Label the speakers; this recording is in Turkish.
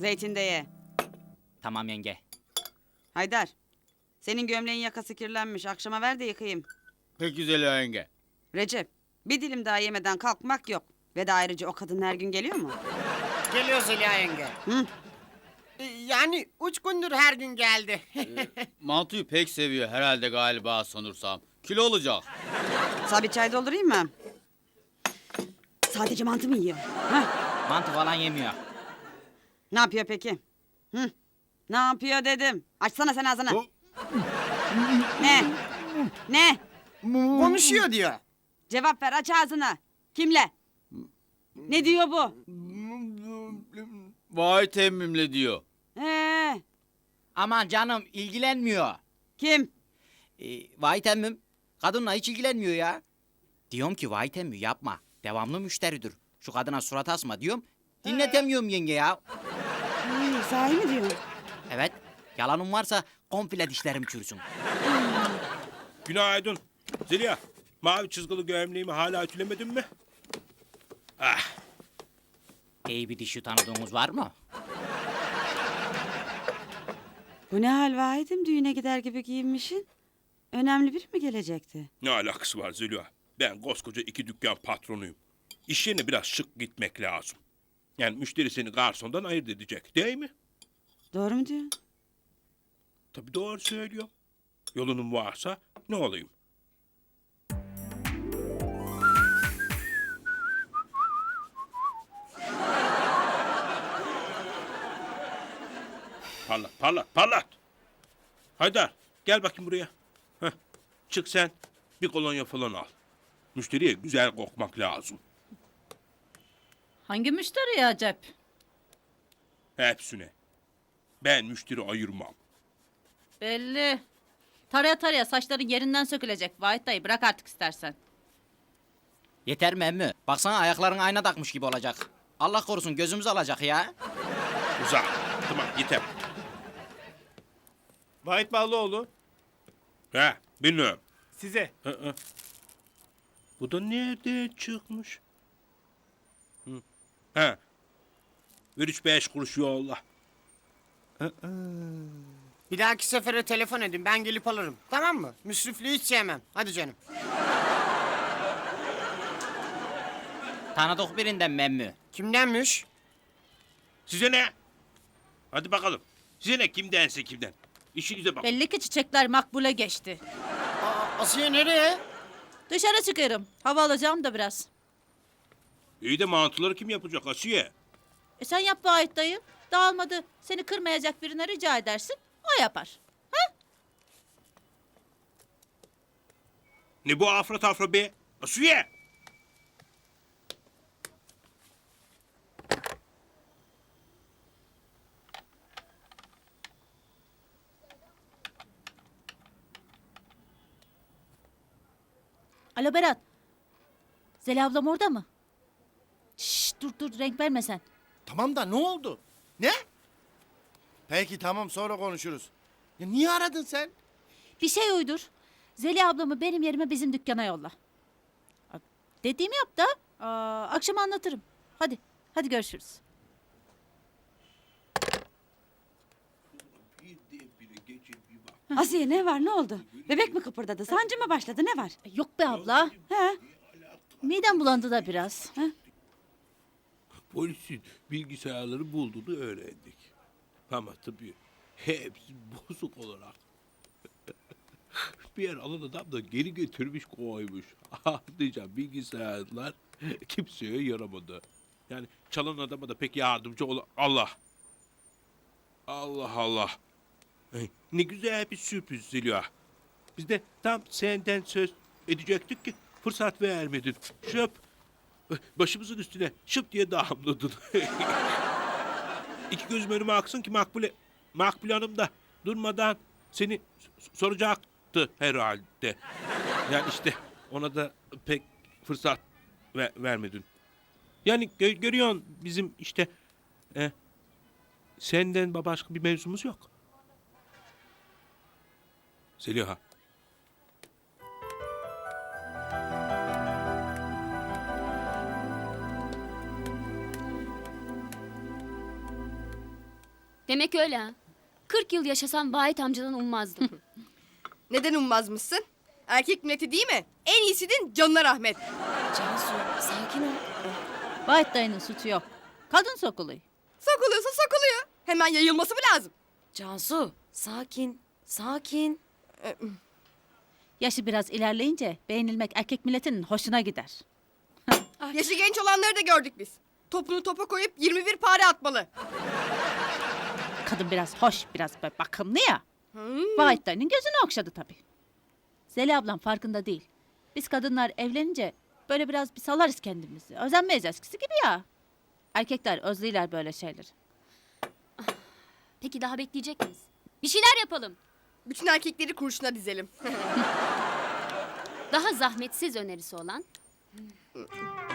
Speaker 1: Zeytin de ye.
Speaker 2: Tamam yenge.
Speaker 1: Haydar. Senin gömleğin yakası kirlenmiş. Akşama ver de yıkayayım.
Speaker 3: Pek güzel yenge.
Speaker 1: Recep. Bir dilim daha yemeden kalkmak yok. Ve de ayrıca o kadın her gün geliyor mu?
Speaker 4: Geliyor Zeliha yenge.
Speaker 1: Hı?
Speaker 4: Yani 3 gündür her gün geldi.
Speaker 3: Mantıyı pek seviyor herhalde galiba sanırsam. Kilo olacak.
Speaker 1: Sana bir çay doldurayım mı? Sadece mantı mı yiyor? Hah.
Speaker 2: Mantı falan yemiyor.
Speaker 1: Ne yapıyor peki? Hı? Ne yapıyor dedim. Açsana sen ağzını. Ne? Ne?
Speaker 4: Konuşuyor diyor.
Speaker 1: Cevap ver, aç ağzını. Kimle? Ne diyor bu?
Speaker 3: Vay temmimle diyor.
Speaker 2: Aman canım ilgilenmiyor.
Speaker 1: Kim?
Speaker 2: Vay temmim. Kadınla hiç ilgilenmiyor ya. Diyorum ki vay temmim yapma. Devamlı müşteridir. Şu kadına surat asma diyorum. Dinletemiyorum yenge ya.
Speaker 1: Sahi mi diyor?
Speaker 2: Evet. Yalanım varsa komple dişlerim çürüsün.
Speaker 5: Günaydın. Zeliha, mavi çizgili gömleğimi hala ütülemedin mi? Ah,
Speaker 2: İyi bir dişi tanıdığınız var mı?
Speaker 1: Bu ne hal Vahit'im, düğüne gider gibi giyinmişsin? Önemli biri mi gelecekti?
Speaker 5: ne alakası var Zeliha? Ben koskoca 2 dükkan patronuyum. İş yerine biraz şık gitmek lazım. Yani müşteri seni garsondan ayırt edecek, değil mi?
Speaker 1: Doğru mu diyorsun?
Speaker 5: Tabii doğru söylüyor. Yolunun varsa ne olayım? Parlat, parlat, parlat. Haydar, gel bakayım buraya. Heh, çık sen, bir kolonya falan al. Müşteriye güzel kokmak lazım.
Speaker 6: Hangi müşteri ya Acep?
Speaker 5: Hepsine. Ben müşteri ayırmam.
Speaker 6: Belli. Taraya taraya saçların yerinden sökülecek. Vahit dayı bırak artık istersen.
Speaker 2: Yeter mi emmi? Baksana ayakların ayna takmış gibi olacak. Allah korusun gözümüz alacak ya.
Speaker 5: Uzak. Tamam, yeter.
Speaker 7: Vahit Ballıoğlu,
Speaker 5: He, bilmiyorum.
Speaker 7: size.
Speaker 5: Bu da nereden çıkmış? Hı. He. Ver 3-5 kuruş yolla.
Speaker 4: Bir dahaki sefere telefon edin, ben gelip alırım. Tamam mı? Müsrifliği hiç sevmem. Hadi canım.
Speaker 2: Tanıdık birinden mi emmi?
Speaker 4: Kimdenmiş?
Speaker 5: Size ne? Hadi bakalım. Size ne, kimdense kimden. İşinize bak.
Speaker 6: Belli ki çiçekler makbule geçti.
Speaker 4: Asiye nereye?
Speaker 6: Dışarı çıkıyorum. Hava alacağım da biraz.
Speaker 5: İyi de mantıları kim yapacak Asiye?
Speaker 6: Sen yap Vahit dayı. Dağılmadı. Seni kırmayacak birine rica edersin. O yapar.
Speaker 5: Ne bu afra tafra be? Asiye!
Speaker 6: Alo Berat. Zeli ablam orada mı? Şşş dur renk verme sen.
Speaker 8: Tamam da ne oldu? Ne? Peki tamam sonra konuşuruz. Ya niye aradın sen?
Speaker 6: Bir şey uydur. Zeli ablamı benim yerime bizim dükkana yolla. Dediğimi yap da akşam anlatırım. Hadi görüşürüz.
Speaker 1: Asiye ne var, ne oldu? Bebek mi kıpırdadı, sancı mı başladı, ne var?
Speaker 6: Yok be abla.
Speaker 1: He?
Speaker 6: Midem bulandı da biraz.
Speaker 5: Polisin bilgisayarları bulduğunu öğrendik. Ama tabii hepsi bozuk olarak. Bir yer alan adam da geri getirmiş koymuş. Ah diyeceğim, bilgisayarlar kimseye yaramadı. Yani çalan adama da pek yardımcı Allah. Allah Allah. Ay, ne güzel bir sürpriz Zeliha. Biz de tam senden söz edecektik ki fırsat vermedin. Şöp. Başımızın üstüne şıp diye damladın. İki gözüm önüme aksın ki Makbule Hanım da durmadan seni soracaktı herhalde. Yani işte ona da pek fırsat vermedin. Yani görüyorsun bizim işte senden başka bir mevzumuz yok. Zeliha.
Speaker 7: Demek öyle ha. 40 yıl yaşasam Vahit amcadan ummazdım.
Speaker 9: Neden ummazmışsın? Erkek milleti değil mi? En iyisinin canına rahmet.
Speaker 1: Cansu sakin ol.
Speaker 6: Vahit dayının suçu yok. Kadın sokuluyor.
Speaker 9: Sokuluyorsa sokuluyor. Hemen yayılması mı lazım?
Speaker 1: Cansu sakin. Sakin.
Speaker 6: Yaşı biraz ilerleyince beğenilmek erkek milletinin hoşuna gider.
Speaker 9: Yaşı genç olanları da gördük biz. Topunu topa koyup 21 pare atmalı.
Speaker 6: Kadın biraz hoş, biraz böyle bakımlı ya. Vahit dayının gözünü okşadı tabii. Zeli ablam farkında değil. Biz kadınlar evlenince böyle biraz bir salarız kendimizi. Özenmeyiz eskisi gibi ya. Erkekler özlüyorlar böyle şeyleri.
Speaker 7: Peki daha bekleyecek miyiz? Bir şeyler yapalım.
Speaker 9: Bütün erkekleri kurşuna dizelim.
Speaker 7: Daha zahmetsiz önerisi olan